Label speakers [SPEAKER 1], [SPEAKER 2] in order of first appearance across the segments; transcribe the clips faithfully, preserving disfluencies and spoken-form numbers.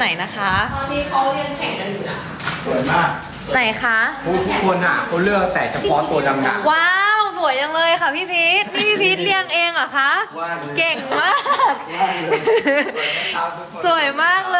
[SPEAKER 1] ไหนนะคะ
[SPEAKER 2] ตอนนี้เขาเรียนแข่งกันอยู่นะคะ
[SPEAKER 3] สวยมาก
[SPEAKER 1] ไหนคะ
[SPEAKER 3] ทุกคนอ่ะเขาเลือกแต่เฉพาะตัวดำๆ
[SPEAKER 1] ว้าวสวยจังเลยค่ะพี่พีทพี่พีทเลี้ยงเองเหรอคะ
[SPEAKER 3] ว่าเลย
[SPEAKER 1] เก่งมาก สวยมากเลย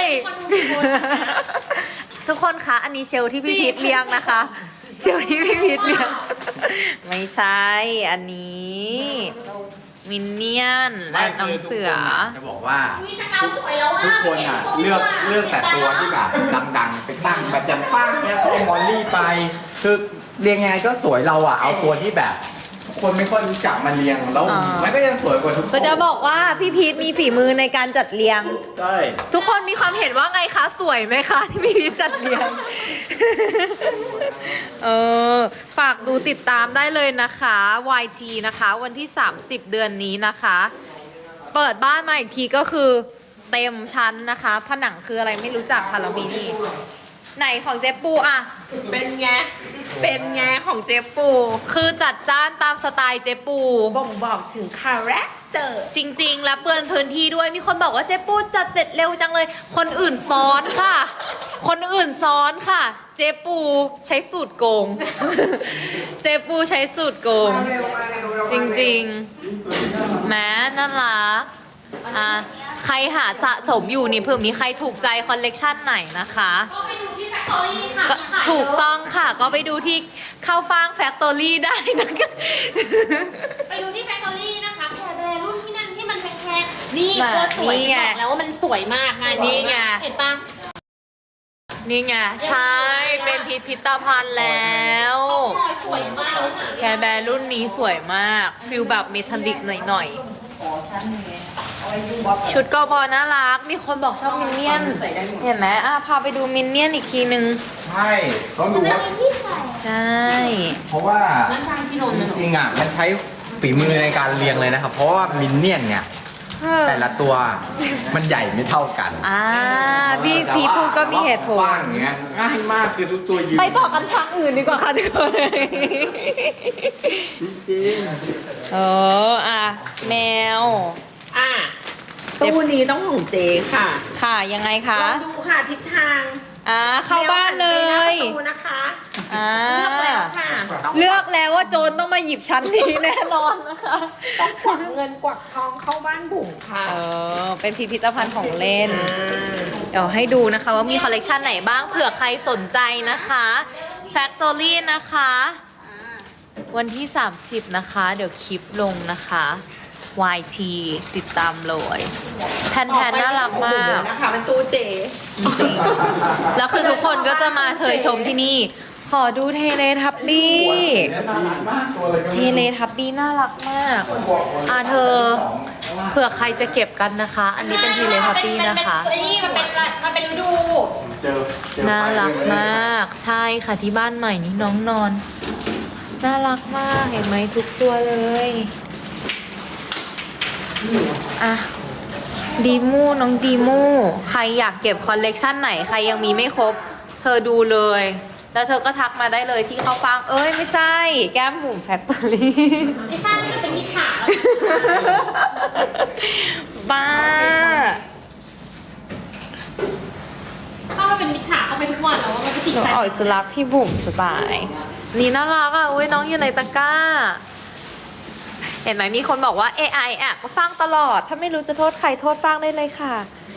[SPEAKER 1] ทุกคนคะอันนี้เชลที่พี่พีทเลี้ยงนะคะ เชลที่พี่พีทเลี้ยง ไม่ใช่อันนี้มินเนี่ยนและน้องเสือ
[SPEAKER 3] จะบอกว่า
[SPEAKER 2] มีสกาวสวยแล้วอ่ะ
[SPEAKER 3] ทุกคนอ่ะเลือกเลือกแต่ตัวที่แบบดังๆไปตั้งแบบจำป้างเนี่ยเขาเอามอลลี่ไปคือเรียงไงก็สวยเราอ่ะเอาตัวที่แบบทุกคนไม่ค่อยรู้จักมาเรียงแล้ว
[SPEAKER 1] อ๋อ
[SPEAKER 3] มันก็ยังสวยกว่าทุกคน
[SPEAKER 1] ก็จะบอกว่าพี่พีทมีฝีมือในการจัดเรียง
[SPEAKER 3] ใช่
[SPEAKER 1] ทุกคนมีความเห็นว่าไงคะสวยไหมคะที่พี่พีทจัดเรียง เออฝากดูติดตามได้เลยนะคะ วาย ที นะคะ วันที่ สามสิบ เดือนนี้นะคะ เปิดบ้านมาอีกทีก็คือเต็มชั้นนะคะ ผนังคืออะไรไม่รู้จักค่ะเรามีนี่ ไหนของเจ๊ปูอะ
[SPEAKER 2] เป็นไง เป็นไงของเจปู
[SPEAKER 1] คือจัดจ้านตามสไตล์เจ๊ปู
[SPEAKER 2] บ่งบอกถึงคาแรคเตอร์
[SPEAKER 1] จริงๆ แล้วเปื้อนพื้นที่ด้วย มีคนบอกว่าเจ๊ปูจัดเสร็จเร็วจังเลย คนอื่นซ้อนค่ะ คนอื่นซ้อนค่ะ เจ๊ปูใช้สูตรโกง เจ๊ปูใช้สูตรโกง จริงๆ แม้น่ารักอ่ะใครหาสะสมอยู่นี่เผื่อมีใครถูกใจคอลเลกชันไหนนะคะ
[SPEAKER 2] ก็ไปดูที่แฟคทอรี่ค่ะ
[SPEAKER 1] ก็ถูกต้องค่ะ ก็ไปดูที่เข้าฟางแฟคทอรี่ได้นะคะ
[SPEAKER 2] ไปดูที่แฟคทอรี่นะคะแพรแบร์รุ่นที่นั่นที่มันแพงๆนี่
[SPEAKER 1] น่ะ
[SPEAKER 2] โคตรสวย
[SPEAKER 1] นี่ไง
[SPEAKER 2] บอกแล้วว่ามันสวยมากงาน
[SPEAKER 1] นี่ไง
[SPEAKER 2] เห็นปะ
[SPEAKER 1] นี่ไง ใช่ เป็นพิพิธภัณฑ์แล้ว
[SPEAKER 2] สวยมาก
[SPEAKER 1] แคร์แบร์รุ่นนี้สวยมากฟิลแบบเมทัลลิกหน่อยๆ ชุดกอบอน่ารัก มีคนบอกชอบมินเนี่ยน เห็นไหมอ่ะพาไปดูมินเนี่ยนอีกทีนึง
[SPEAKER 3] ใช่ต้องดูว่า
[SPEAKER 2] ที่ใส่
[SPEAKER 1] ใช่
[SPEAKER 3] เพราะว่า
[SPEAKER 2] น้ำตาลพี่นนท์
[SPEAKER 3] จริงๆอ่ะมันใช้ฝีมือในการเรียงเลยนะครับ เพราะว่ามินเนี่ยนเนี่ยแต่ละตัวมันใหญ่ไม่เท่ากัน
[SPEAKER 1] อ่าพี่พีพูดก็มีเหตุผล
[SPEAKER 3] กว้างอย่างเงี้ยง่ายมากคือทุกตัวยืน
[SPEAKER 1] ไปต่อกันทางอื่นดีกว่าค่ะทุกคน
[SPEAKER 3] จริง
[SPEAKER 1] เอออ่ะ แมว
[SPEAKER 2] อ่ะตู้นี้ต้องของเจค่ะ
[SPEAKER 1] ค่ะยังไงคะ
[SPEAKER 2] ลองดูค่ะทิศทาง
[SPEAKER 1] อ่าเข้าบ้านเลย
[SPEAKER 2] แมวหันไปหน้าประตูนะคะ
[SPEAKER 1] อ่า
[SPEAKER 2] เลือกแล้วค่ะต้อง
[SPEAKER 1] เลือกแล้วว่าโจรต้องมาหยิบชั้นนี้แน่นอนนะคะ
[SPEAKER 2] ต้องกวักเงินกวักทองเข้าบ้านบุ๋มค่ะ
[SPEAKER 1] เออเป็นพิพิธภัณฑ์ของเล่น เดี๋ยวให้ดูนะคะว่ามีคอลเลกชันไหนบ้างเผื่อใครสนใจนะคะ Factory นะคะ วันที่ สามสิบ นะคะ เดี๋ยวคลิปลงนะคะ วาย ที ติดตามเลยแผ่นแผ่นน่ารักมาก
[SPEAKER 2] นะคะเป็นตู้เจ
[SPEAKER 1] จริงๆแล้วคือทุกคนก็จะมาเชยชมที่นี่ ขอดูเทเลทับบี้ เทเลทับบี้น่ารักมาก อ่าเธอ เผื่อใครจะเก็บกันนะคะ อันนี้เป็นเทเลทับบี้นะคะ
[SPEAKER 2] ไอ้นี่มันเป็นมันเป็นฤดู
[SPEAKER 3] เจอเจอ
[SPEAKER 1] น่ารักมาก ใช่ค่ะที่บ้านใหม่นี่น้องนอน น่ารักมากเห็นไหมทุกตัวเลยอ่ะดีมูน้องดีมูใครอยากเก็บคอลเลกชันไหนใครยังมีไม่ครบ เธอดูเลย แล้วเธอก็ทักมาได้เลยที่เขาฟังเอ้ยไม่ใช่ แก้มบุ๋มแฟคทอรี่
[SPEAKER 2] ไอ้ฟ้านี่มันเป็นมิจฉาแล้ว
[SPEAKER 1] บ้า
[SPEAKER 2] ถ้ามันเป็นมิจฉาเข้าไปทุกวันแล้วว่ามันจะติด
[SPEAKER 1] หนู
[SPEAKER 2] ใจ
[SPEAKER 1] ออกจะรักพี่บุ๋มสบาย นี่น่ารักอ่ะอุ้ยน้องอยู่ในตะกร้า เห็นไหมมีคนบอกว่า เอ ไอ แอบก็ฟังตลอด ถ้าไม่รู้จะโทษใครโทษฟังได้เลยค่ะ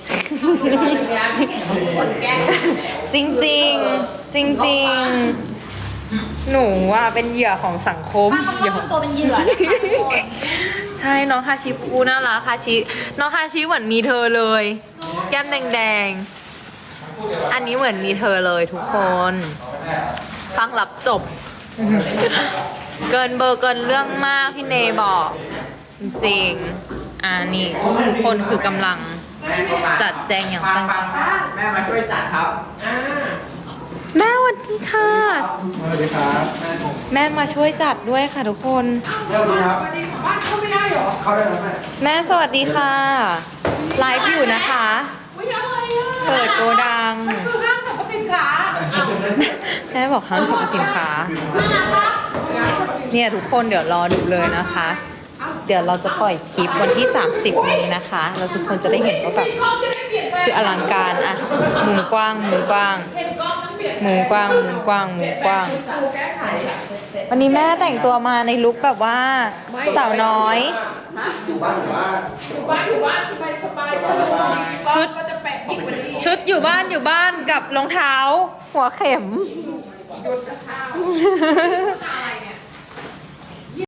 [SPEAKER 1] จริงจริงจริงจริงๆหนูอ่ะเป็นเหยื่อของสังคม
[SPEAKER 2] ถ้าเขาชอบทำตัวเป็นเหยื่อนะคะทุกคน
[SPEAKER 1] ใช่น้องฮาชิพูน่ารักฮาชิน้องฮาชิเหมือนมีเธอเลย แก้มแดงๆ อันนี้เหมือนมีเธอเลยทุกคน ฟังรับจบ เกินเบอร์เกินเรื่องมากพี่เนบอก จริงๆอ่านี่ทุกคนคือกำลัง จัดแจงอย่างตั้งใจ
[SPEAKER 3] แม่มาช่วยจัดครับ
[SPEAKER 1] แม่สวัสดีค่ะ
[SPEAKER 3] สวัสดีครับ
[SPEAKER 1] แม่มาช่วยจัดด้วยค่ะทุกคน
[SPEAKER 3] สวัสดีครับบ้านเข้าไม่ได้หรอเข้าได้แล้วแม่
[SPEAKER 1] แม่สวัสดีค่ะ ไลฟ์อยู่นะคะ เปิดโกดัง
[SPEAKER 2] คือห้างสรรพสินค้า
[SPEAKER 1] แม่บอกห้างสรรพสินค้า เนี่ยทุกคนเดี๋ยวรอดูเลยนะคะ เดี๋ยวเราจะปล่อยคลิปวันที่ สามสิบ นี้นะคะ เราทุกคนจะได้เห็นว่าแบบคืออลังการอะมุมกว้างมุมกว้างมุมกว้างมุมกว้างมุมกว้าง วันนี้แม่แต่งตัวมาในลุคแบบว่าสาวน้อย
[SPEAKER 3] อยู่บ้านอยู่บ้าน
[SPEAKER 4] อยู่บ้านอยู่บ้านสบายสบายๆ
[SPEAKER 1] ชุด
[SPEAKER 4] ก็จะแปะยิ่งกว่านี้
[SPEAKER 1] ชุดอยู่บ้านอยู่บ้านกับรองเท้า หัวเข็ม
[SPEAKER 4] หยุดจะข้าว